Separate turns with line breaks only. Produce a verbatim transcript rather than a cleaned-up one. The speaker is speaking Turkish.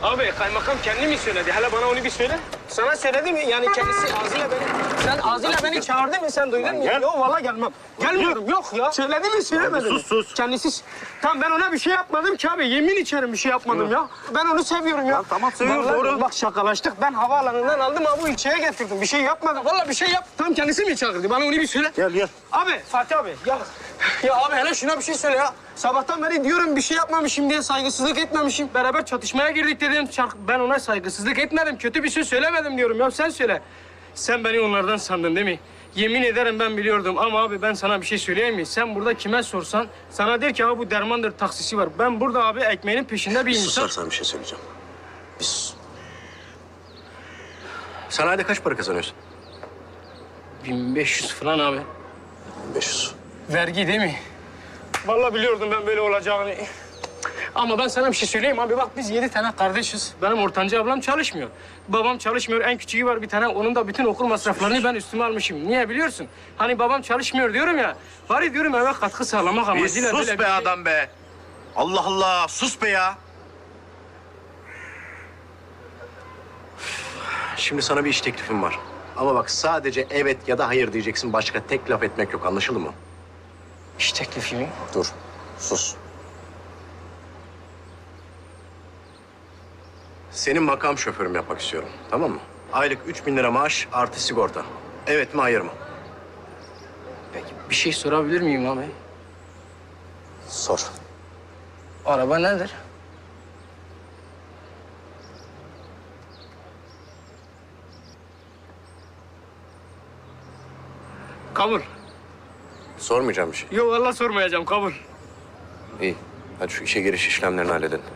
Abi kaymakam kendi mi söyledi? Hele bana onu bir söyle. Sana söyledi mi? Yani kendisi ağzıyla beni... Sen ağzıyla beni çağırdı mı? Sen duydun mu?
Gel.
Yok vallahi gelmem. Gelmiyorum yok ya. Söyledi mi söylemedi mi?
Sus, sus.
Kendisi... Tamam ben ona bir şey yapmadım ki abi. Yemin içerim bir şey yapmadım ya. Ben onu seviyorum ya.
Ya tamam, seviyorum,
Vallahi
doğru.
Bak şakalaştık. Ben havaalanından aldım abi bu ilçeye getirdim. Bir şey yapmadım. Vallahi bir şey yap. Tam kendisi mi çağırdı? Bana onu bir söyle.
Gel gel.
Abi Fatih abi ya ya abi hele şuna bir şey söyle ya. Sabahtan beri diyorum bir şey yapmamışım diye saygısızlık etmemişim. Beraber çatışmaya girdik dedim. Çark- Ben ona saygısızlık etmedim. Kötü bir şey söylemedim diyorum ya sen söyle. Sen beni onlardan sandın değil mi? Yemin ederim ben biliyordum ama abi ben sana bir şey söyleyeyim mi? Sen burada kime sorsan sana der ki abi bu dermandır taksisi var. Ben burada abi ekmeğinin peşinde bir insan.
Susarsan bir şey söyleyeceğim. Biz... Sen ayda kaç para kazanıyorsun?
bin beş yüz falan abi.
beş yüz.
Vergi değil mi? Vallahi biliyordum ben böyle olacağını. Ama ben sana bir şey söyleyeyim abi. Bak biz yedi tane kardeşiz. Benim ortanca ablam çalışmıyor. Babam çalışmıyor. En küçüğü var bir tane. Onun da bütün okul masraflarını ben üstüme almışım. Niye biliyorsun? Hani babam çalışmıyor diyorum ya. Bari diyorum eve katkı sağlamak
Bir
amacıyla.
sus
böyle
be
bir şey-
adam be. Allah Allah, sus be ya. Şimdi sana bir iş teklifim var. Ama bak sadece evet ya da hayır diyeceksin. Başka tek laf etmek yok, anlaşıldı mı?
İş teklifi mi?
Dur, sus. Senin makam şoförüm yapmak istiyorum, tamam mı? Aylık üç bin lira maaş artı sigorta. Evet mi, hayır mı?
Peki bir şey sorabilir miyim abi?
Sor.
Araba nedir? Kabul.
Sormayacağım bir şey.
Yok vallahi sormayacağım kabul.
İyi. Hadi şu işe giriş işlemlerini halledin.